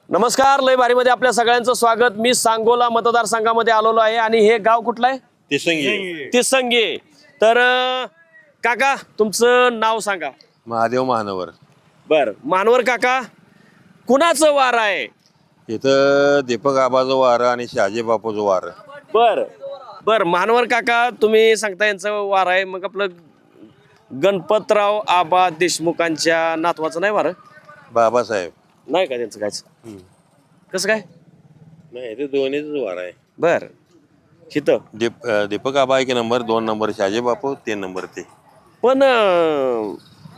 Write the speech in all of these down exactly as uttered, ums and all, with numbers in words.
नमस्कार, लय भारीमध्ये आपल्या सगळ्यांचं स्वागत. मी सांगोला मतदारसंघामध्ये आलेलो आहे आणि हे गाव कुठलं आहे? तिसंगी. तिसंगी. तर अं, काका तुमचं नाव सांगा. महादेव महानवर. बर, मानवर काका, कुणाचं वार आहे? इथं दीपक आबाचं वार आणि शहाजी बापूचं वार. बर बर मानवर काका, तुम्ही सांगता यांचं वार आहे, मग आपलं गणपतराव आबा देशमुखांच्या नातवाचं नाही वार? बाबासाहेब नाही का त्यांचं कायच? कसं काय? नाही, ते दोन्हीच वार आहे. बर, हिथं दीप अं, दीपक आबा एक नंबर, दोन नंबर शहाजी बापू, तीन नंबर ते. पण अं,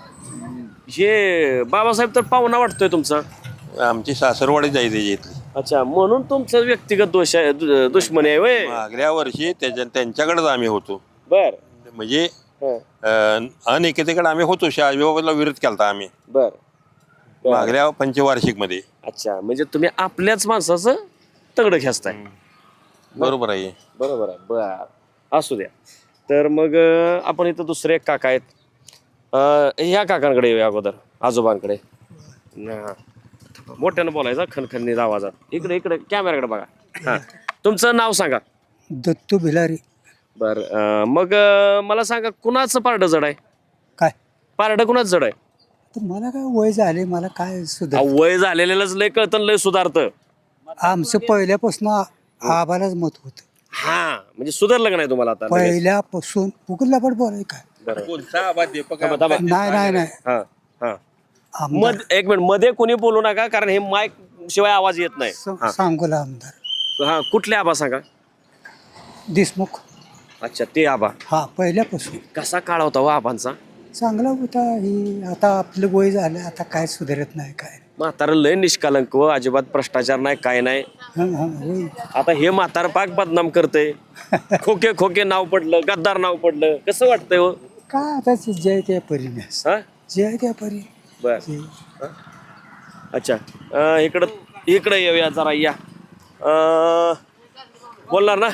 हे बाबासाहेब तर पाहुणा वाटतोय तुमचा. आमची सासरवाडी जायची इथली. अच्छा, म्हणून तुमचं व्यक्तिगत दोष आहे, दु- दुश्मनी आहे वय. मागल्या वर्षी त्याच्या त्यांच्याकडेच आम्ही होतो. बर म्हणजे हं, अं, अनेकतेकडे आम्ही होतो. शहाजी बाबाला विरोध केलता आम्ही बर बर. मागल्या पंचवार्षिक मध्ये. अच्छा, म्हणजे तुम्ही आपल्याच माणसाचं तगडं खेचताय. बरोबर आहे. बरोबर आहे. बर, असू द्या. तर मग अं, आपण इथं दुसरे एक काका आहेत. अं, ह्या काकांकडे येऊया अगोदर, आजोबांकडे. हा. मोठ्यानं बोलायचं, खनखनीत आवाजात. इकडे इकडे कॅमेराकडे बघा. हा, तुमचं नाव सांगा. दत्तू भिलारी. बर, अं, मग अं, मला सांगा, कुणाचं पारडं जड आहे? काय पारडं कुणाचं जड आहे? तर मला काय वय झाले, मला काय सुद्धा अहो, वय झालेल्याच लय कळतं, लय सुधारतं. आमचं पहिल्यापासून आबालाच मत होत. हा, म्हणजे सुधारलं का नाही तुम्हाला आता लगेच? पहिल्यापासून उगला पण बोलाय काय बरं. कोणता आबा दीपक थांबा, थांबा. नाही नाही नाही हा हा आमदार मध एक मिनिट, मध्ये कोणी बोलू नका, कारण हे माईक शिवाय आवाज येत नाही. स- सांगोला आमदार हा, कुठले आबा सांगा? देशमुख. अच्छा, ते आबा. हा पहिल्यापासून कसा काळ होता हो आबांचा? चांगला होता. ही आता आपलं वय झालं, आता काय सुधारत नाही काय. म्हातारं लय निष्कालंक व अजिबात भ्रष्टाचार नाही, काय नाही. हं, हं, होय. आता हे म्हातार पाक बदनाम करते. खोके खोके नाव पडलं, गद्दार नाव पडलं, कसं वाटतंय हो? काय आता जय त्या परीने हा, जय त्या परी बर. जय. अच्छा, अं, इकडं इकडं येऊया जरा, या. अं, बोलणार ना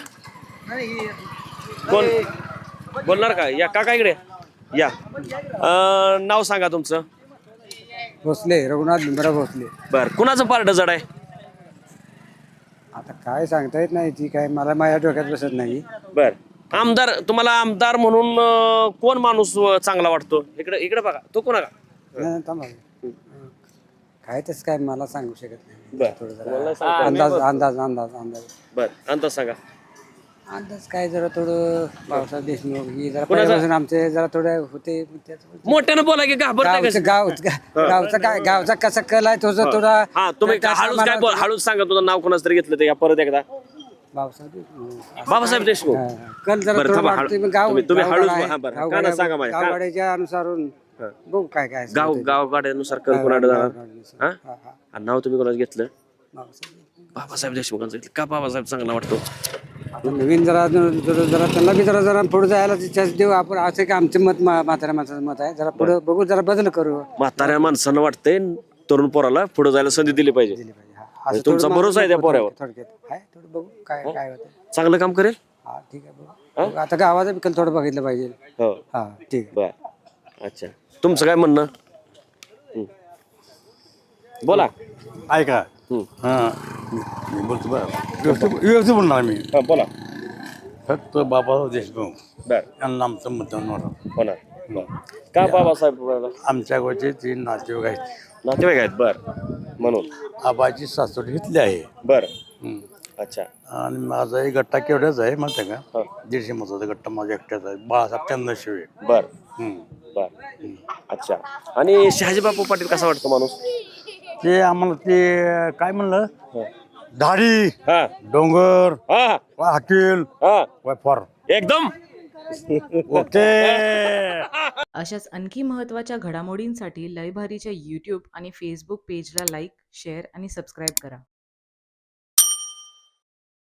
कोण? बोलणार का? या काका इकडे या. अं, नाव सांगा तुमचं. भोसले, रघुनाथ भीमराव भोसले. बर, कुणाचं पारडं जड आहे? आता काय सांगता येत नाही, ती काय मला माझ्या डोक्यात बसत नाही. बर, आमदार, तुम्हाला आमदार म्हणून अं, कोण माणूस अं, चांगला वाटतो? इकडे इकडे बघा, तो कोणा का? नाही, थांबा. काय तसं काय मला सांगू शकत नाही. बर, थोडं तुम्हाला जरा सांगता येईल. अंदाज अंदाज अंदाज अंदाज बर, अंदाज सांगा. अंदाज काय जरा थोडं पावसात देशमुख ही जरा कोणाचा? पहिल्यापासून आमचे जरा थोडं होते. त्याचं- मोठ्यानं बोला की घाबरताय गावचं कसं? गाव गावचा काय गावचा कसा कल आहे तो जो थोडा हा, तुम्ही त्या हळूच काय बोल, सामानात- हळूच सांगा. तुझं नाव कोणाचं तरी घेतलं ते, या परत एकदा. पावसात देशमुख. बाबासाहेब देशमुख. हा, कल जरा बरं, थोडं थांबा, वाटतंय, हळू- पण गाव तुम्ही- तुम्ही गावगाडा हळूच- आहे. हा, बरं. गावगाडा- कानात सांगा माझ्या. गावगाड्याच्या अनुसारून बघू काय काय गाव गावगाड्यानुसार कल कोणाकडे जाणार? हा? हा, हा. आणि नाव तुम्ही कोणाचं घेतलं? पावसात. बाबासाहेब देशमुखांचं घेतलं का? बाबासाहेब चांगला वाटतो. आता नवीन जरा जरा जरा त्यांना बी जरा जरा पुढे जायला चान्स देऊ आपण. असं की आमचं मत मा- म्हाताऱ्या माणसाचं मत आहे. जरा पुढे बघू, जरा बदल करू. म्हाताऱ्या माणसानं वाटतंय तरुण पोराला पुढे जायला संधी दिली पाहिजे. दिली पाहिजे. हा, म्हणजे असं तुमचा थोडं भरोसा आहे त्या पोरावर? थोडक्यात आहे, थोडं बघू काय काय होतं. चांगलं काम करेल. हा ठीक आहे बघू. बघू. आता गावाचा बी कल थोडं बघितलं पाहिजे. हो, हा ठीक आहे. बर. अच्छा, तुमचं काय म्हणणं? हं. बोला. ऐका हं. हां मी बोलतो बरं व्यवस्थित व्यवस्थित बोलणार मी. हा, बोला. फक्त बाबासाहेब देशमुख बर, यांना आमचं मतदान होणार. होणार. बर. का बाबासाहेब? आमच्या गावचे तीन नातेवाईक आहेत. नातेवाईक आहेत. बर, म्हणून. आबाची सासवड घेतली आहे. बर, हं. अच्छा. आणि माझा एक गट्टा केवढ्याच आहे माहिती आहे हा. का? दीडशे मताचा गट्टा माझ्या एकट्याचा आहे. बाळासाहेब चंद्रशिवे. बर हं. बर, अच्छा. आणि शहाजी बापू पाटील कसा वाटतो माणूस? ते आम्हाला ते काय म्हणलं, धाडी हा डोंगर हा वा हकील हा, वा फॉर एकदम. ओके. अशाच आणखी महत्त्वाच्या घडामोडींसाठी लयभारीच्या यूट्यूब आणि फेसबुक पेजला लाईक, शेअर आणि सबस्क्राईब करा.